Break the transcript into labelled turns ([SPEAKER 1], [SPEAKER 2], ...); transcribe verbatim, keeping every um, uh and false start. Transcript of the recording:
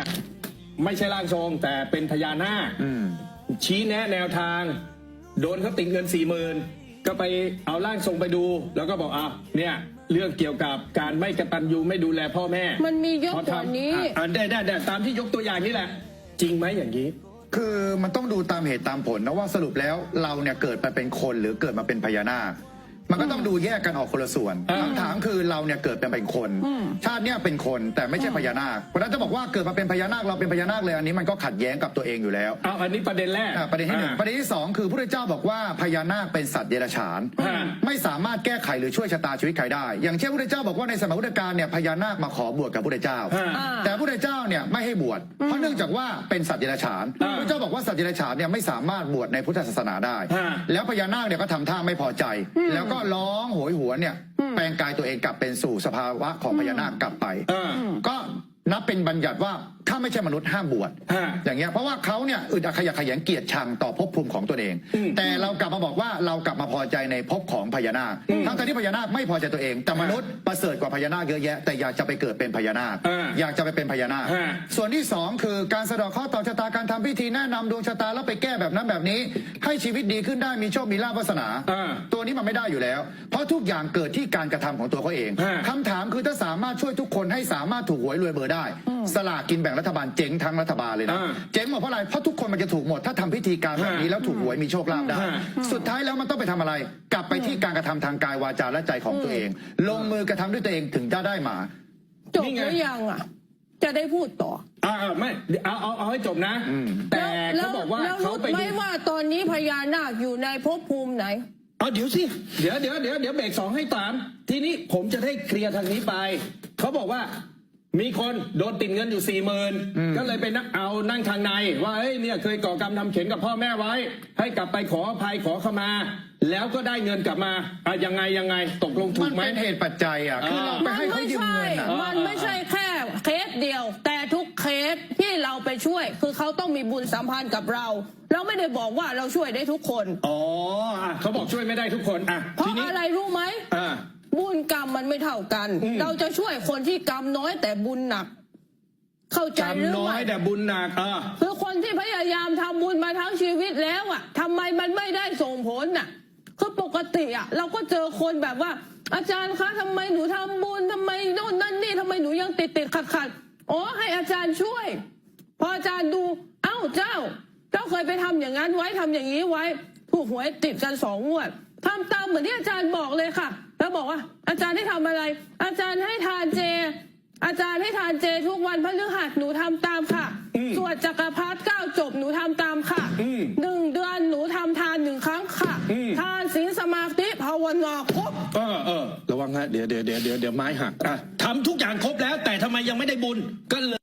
[SPEAKER 1] ไม่ใช่ร่างทรงแต่เป็นพญานาคชี้แนะแนวทางโดนเขาติดเงินสี่หมื่นก็ไปเอาร่างทรงไปดู แล้วก็บอกอ่ะเนี่ยเรื่องเกี่ยวกับการไม่กตัญญูไม่ดูแลพ่อแม่
[SPEAKER 2] มันมีเยอะกว่านี้
[SPEAKER 1] อ่ะได้ได้ได้ตามที่ยกตัวอย่างนี่แหละจริงไหมอย่างนี้
[SPEAKER 3] คือมันต้องดูตามเหตุตามผลนะว่าสรุปแล้วเราเนี่ยเกิดมาเป็นคนหรือเกิดมาเป็นพญานาคมันก็ต้องดูแยกกันออกคนละส่วนคำถามคือเราเนี่ยเกิดเป็นคนชาติเนี่ยเป็นคนแต่ไม่ใช่พญานาคเพราะฉะนั้นจะบอกว่าเกิดมาเป็นพญานาคเราเป็นพญานาคเลยอันนี้มันก็ขัดแย้งกับตัวเองอยู่แล้ว
[SPEAKER 1] เอาอันนี้ประเด็นแรก
[SPEAKER 3] ประเด็นที่หนึ่งประเด็นที่สองคือพระพุทธเจ้าบอกว่าพญานาคเป็นสัตว์เดรัจฉานไม่สามารถแก้ไขหรือช่วยชะตาชีวิตใครได้อย่างเช่นพระพุทธเจ้าบอกว่าในสมัยพุทธกาลเนี่ยพญานาคมาขอบวชกับพระพุทธเจ้าแต่พระพุทธเจ้าเนี่ยไม่ให้บวชเพราะเนื่องจากว่าเป็นสัตว์เดรัจฉานพระเจ้าบอกว่าสัตว์เดรัจฉานเนี่ยไม่สามารถบวชในพุทธศาสนาได้แล้วพญานาคเนี่ยก็ทำท่าไม่พอใจแล้วก็ร้องโหยหวนเนี่ยแปลงกายตัวเองกลับเป็นสู่สภาวะของพญานาคกลับไปก็นับเป็นบัญญัติว่าถ้าไม่ใช่มนุษย์ห้ามบวชอย่างเงี้ยเพราะว่าเขาเนี่ยอึดอัดขยะแขยงเกียรติชังต่อภพภูมิของตัวเองแต่เรากลับมาบอกว่าเรากลับมาพอใจในภพของพญานาคทั้งที่พญานาคไม่พอใจตัวเองแต่มนุษย์ประเสริฐกว่าพญานาคเยอะแยะแต่อยากจะไปเกิดเป็นพญานาคอยากจะไปเป็นพญานาคส่วนที่สองคือการสะเดาะเคราะห์ต่อชะตาการทำพิธีแนะนำดวงชะตาแล้วไปแก้แบบนั้นแบบนี้ให้ชีวิตดีขึ้นได้มีโชคมีลาภวาสนาตัวนี้มันไม่ได้อยู่แล้วเพราะทุกอย่างเกิดที่การกระทำของตัวเขาเองคำถามคือถ้าสามารถช่วยทุกคนให้สามารถถูกหวยรวยเบอร์ได้สลากกินแบ่งรัฐบาลเจ๊งทั้งรัฐบาลเลยนะเจ๊งหมดเพราะอะไรเพราะทุกคนมันจะถูกหมดถ้าทำพิธีการแบบนี้แล้วถูกหวยมีโชคลาภได้สุดท้ายแล้วมันต้องไปทำอะไรกลับไปที่การกระทำทางกายวาจาและใจของตัวเองลงมือกระทำด้วยตัวเองถึงจะได้มา
[SPEAKER 2] จบหรือยังอ่ะจะได้พูดต่อ
[SPEAKER 1] อ่าไม่เอาเอาเอาให้จบนะแต่เขาบอกว่าเขาไป
[SPEAKER 2] ไม่ว่าตอนนี้พญานาคอยู่ในภพภูมิไหน
[SPEAKER 1] เอาเดี๋ยวสิเดี๋ยวเดี๋ยวเดี๋ยวเดี๋ยวเบรกสองให้ตามทีนี้ผมจะได้เคลียร์ทางนี้ไปเขาบอกว่ามีคนโดนติดเงินอยู่สี่หมื่นก็เลยไปนักเอานั่งทางในว่าเฮ้ยเนี่ยเคยก่อกรรมทำเข็นกับพ่อแม่ไว้ให้กลับไปขออภัยขอขมาแล้วก็ได้เงินกลับมาอ่ะยังไงยังไงตกลงถูกไหม
[SPEAKER 3] มันเป็นเหตุปัจจัยอ่ะคือเราไปให้เขายืมเงินอ่ะ
[SPEAKER 2] มันไม่ใช่แค่เคสเดียวแต่ทุกเคสที่เราไปช่วยคือเขาต้องมีบุญสัมพันธ์กับเราเราไม่ได้บอกว่าเราช่วยได้ทุกคน
[SPEAKER 1] อ๋อเขาบอกช่วยไม่ได้ทุกคนอ่ะ
[SPEAKER 2] เพราะอะไรรู้ไหมบุญกรรมมันไม่เท่ากันเราจะช่วยคนที่กรรมน้อยแต่บุญหนักเข้าใจหรือไม่กรรม
[SPEAKER 1] น้อยแต่บุญหนักอ่ะ
[SPEAKER 2] คือคนที่พยายามทำบุญมาทั้งชีวิตแล้วอ่ะทำไมมันไม่ได้ส่งผลน่ะคือปกติอ่ะเราก็เจอคนแบบว่าอาจารย์คะทำไมหนูทำบุญทำไมโน่นนั่นนี่ทำไมหนูยังติดติดขัดขัดอ๋อให้อาจารย์ช่วยพออาจารย์ดูเอ้าเจ้าเจ้าเคยไปทำอย่างนั้นไว้ทำอย่างนี้ไว้ถูกหวยติดกันสองงวดทำตามเหมือนที่อาจารย์บอกเลยค่ะแล้วบอกว่าอาจารย์ให้ทำอะไรอาจารย์ให้ทานเจอาจารย์ให้ทานเจทุกวันพฤหัสหนูทำตามค่ะสวดจักรพรรดิเก้าจบหนูทำตามค่ะหนึ่งเดือนหนูทำทานหนึ่งครั้งค่ะทานศีลสมาธิภาวนาครบ
[SPEAKER 1] เออเออระวังฮะเดี๋ยวเดี๋ยวเดี๋ยวเดี๋ยวไม้หักอ่ะทำทุกอย่างครบแล้วแต่ทำไมยังไม่ได้บุญก็เลย